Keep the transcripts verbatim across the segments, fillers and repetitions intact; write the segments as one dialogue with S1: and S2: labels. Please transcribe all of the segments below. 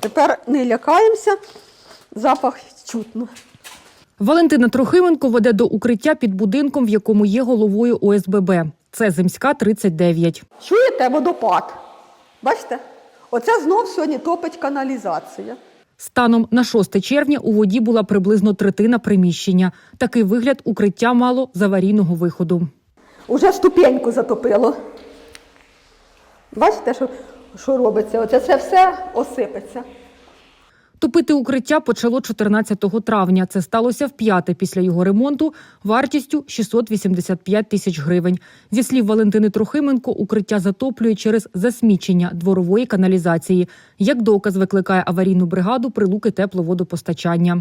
S1: Тепер не лякаємося, запах чутно.
S2: Валентина Трохименко веде до укриття під будинком, в якому є головою О С Б Б. Це Земська, тридцять дев'ять.
S1: Чуєте водопад? Бачите? Оце знов сьогодні топить каналізація.
S2: Станом на шосте червня у воді була приблизно третина приміщення. Такий вигляд укриття мало з аварійного виходу.
S1: Уже ступеньку затопило. Бачите, що, що робиться? Оце це все осипеться.
S2: Топити укриття почало чотирнадцятого травня. Це сталося вп'яте після його ремонту вартістю шістсот вісімдесят п'ять тисяч гривень. Зі слів Валентини Трохименко, укриття затоплює через засмічення дворової каналізації. Як доказ викликає аварійну бригаду Прилуки тепловодопостачання.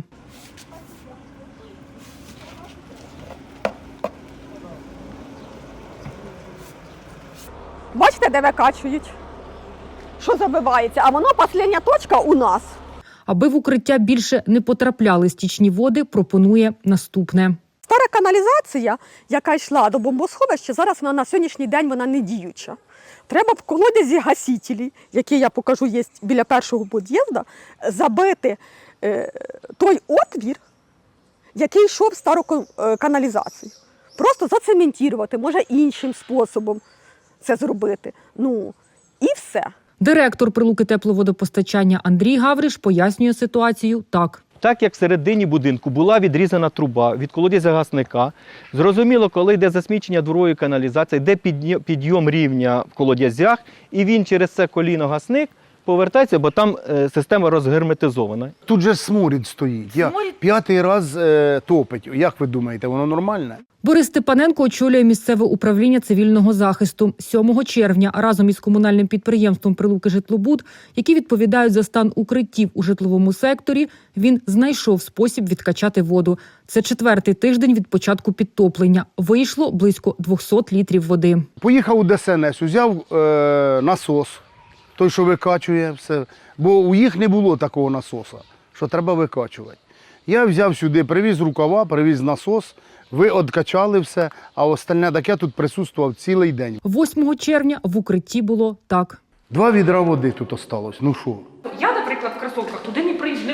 S1: Бачите, де викачують? Що забивається? А воно, остання точка у нас.
S2: Аби в укриття більше не потрапляли стічні води, пропонує наступне.
S1: Стара каналізація, яка йшла до бомбосховища, зараз вона на сьогоднішній день вона не діюча. Треба в колодязі гасителі, які я покажу є біля першого під'їзду, забити е, той отвір, який йшов в стару каналізацію. Просто зацементувати, може іншим способом це зробити. Ну, і все.
S2: Директор Прилуки тепловодопостачання Андрій Гавриш пояснює ситуацію так.
S3: Так як всередині будинку була відрізана труба від колодязя гасника, зрозуміло, коли йде засмічення дворової каналізації, йде підйом рівня в колодязях, і він через це коліно-гасник повертається, бо там е, система розгерметизована.
S4: Тут же сморід стоїть. Я
S2: Сморід?
S4: п'ятий раз е, топить. Як ви думаєте, воно нормальне?
S2: Борис Степаненко очолює місцеве управління цивільного захисту. сьомого червня разом із комунальним підприємством «Прилуки Житлобуд», які відповідають за стан укриттів у житловому секторі, він знайшов спосіб відкачати воду. Це четвертий тиждень від початку підтоплення. Вийшло близько двісті літрів води.
S4: Поїхав у Де Ес Ен Ес, взяв е, насос, той, що викачує все. Бо у їх не було такого насоса, що треба викачувати. Я взяв сюди, привіз рукава, привіз насос, ви відкачали все, а остальне таке тут присутствував цілий день.
S2: восьмого червня в укритті було так.
S4: Два відра води тут осталось. Ну що?
S2: Я, наприклад, в кросовках туди не пройду.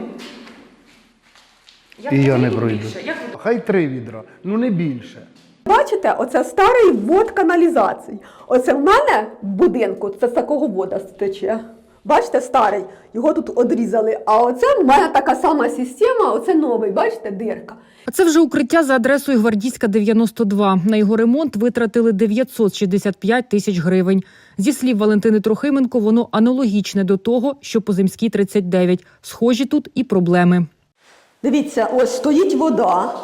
S4: І я не пройду. Хай три відра, ну не більше.
S1: Бачите, оце старий ввод каналізації. Оце в мене в будинку, це з такого вода стече. Бачите, старий, його тут одрізали. А оце в мене така сама система, оце новий, бачите, дирка.
S2: А це вже укриття за адресою Гвардійська, дев'яносто два. На його ремонт витратили дев'ятсот шістдесят п'ять тисяч гривень. Зі слів Валентини Трохименко, воно аналогічне до того, що по Земській, тридцять дев'ять. Схожі тут і проблеми.
S1: Дивіться, ось стоїть вода.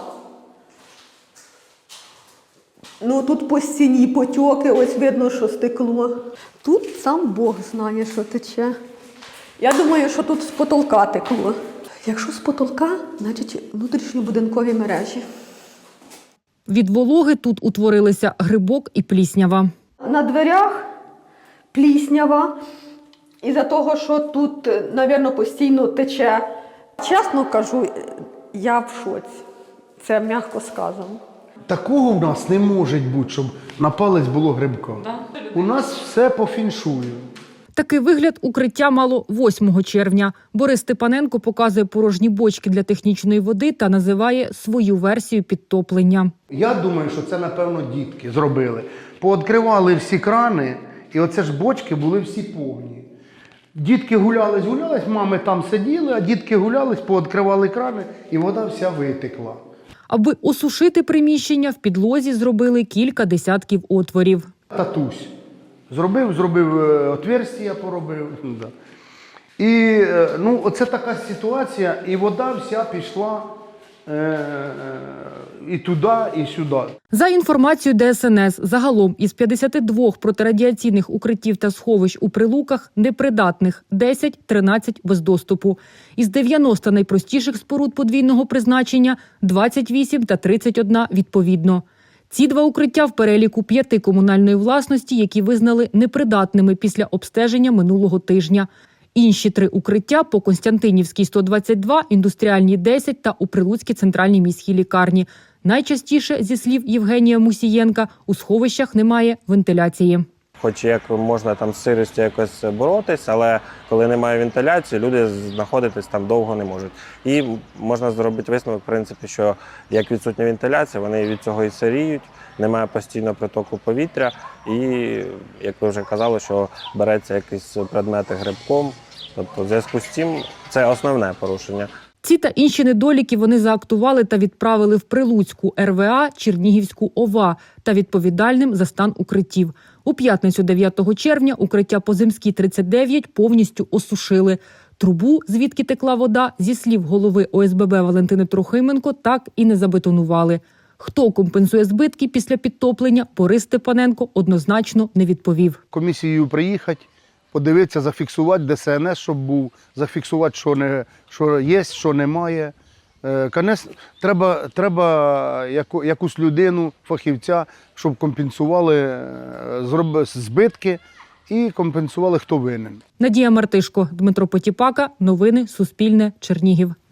S1: Ну, тут по стіні потьоки, ось видно, що стекло. Тут сам Бог знає, що тече. Я думаю, що тут з потолка текло. Якщо з потолка, значить внутрішньобудинкові мережі.
S2: Від вологи тут утворилися грибок і пліснява.
S1: На дверях пліснява. Із-за того, що тут, мабуть, постійно тече. Чесно кажу, я в шоці. Це м'яко сказано.
S4: Такого в нас не може бути, щоб на палець було грибка. У нас все по фіншую.
S2: Такий вигляд укриття мало восьмого червня. Борис Степаненко показує порожні бочки для технічної води та називає свою версію підтоплення.
S4: Я думаю, що це, напевно, дітки зробили. Пооткривали всі крани, і оце ж бочки були всі повні. Дітки гулялись, гулялись, мами там сиділи, а дітки гулялись, пооткривали крани, і вода вся витекла.
S2: Аби осушити приміщення, в підлозі зробили кілька десятків отворів.
S4: Татусь зробив, зробив отверстия, поробив. Да. І ну, оце така ситуація, і вода вся пішла е, і туди, і сюди.
S2: За інформацією Де Ес Ен Ес, загалом із п'ятдесят два протирадіаційних укриттів та сховищ у Прилуках непридатних, десять тринадцять без доступу. Із дев'яноста найпростіших споруд подвійного призначення – двадцять вісім та тридцять один відповідно. Ці два укриття в переліку п'яти комунальної власності, які визнали непридатними після обстеження минулого тижня. Інші три укриття по Константинівській сто двадцять два, Індустріальній десять та у Прилуцькій центральній міській лікарні. Найчастіше, зі слів Євгенія Мусієнка, у сховищах немає вентиляції.
S5: Хоч як можна там з сирістю якось боротись, але коли немає вентиляції, люди знаходитись там довго не можуть. І можна зробити висновок, в принципі, що як відсутня вентиляція, вони від цього і сиріють, немає постійного притоку повітря і, як ви вже казали, що береться якісь предмети грибком. Тобто в зв'язку з цим це основне порушення.
S2: Ці та інші недоліки вони заактували та відправили в Прилуцьку ер ве а, Чернігівську ОВА та відповідальним за стан укриттів. У п'ятницю дев'ятого червня укриття по Земській тридцять дев'ять повністю осушили. Трубу, звідки текла вода, зі слів голови о ес бе бе Валентини Трохименко, так і не забетонували. Хто компенсує збитки після підтоплення, Борис Степаненко однозначно не відповів.
S4: Комісією приїхати, подивитися, зафіксувати де се ен ес, щоб був, зафіксувати, що, не, що є, що немає. Е, Конець, треба треба яку, якусь людину, фахівця, щоб компенсували е, зроб, збитки і компенсували, хто винен.
S2: Надія Мартишко, Дмитро Потіпака. Новини Суспільне. Чернігів.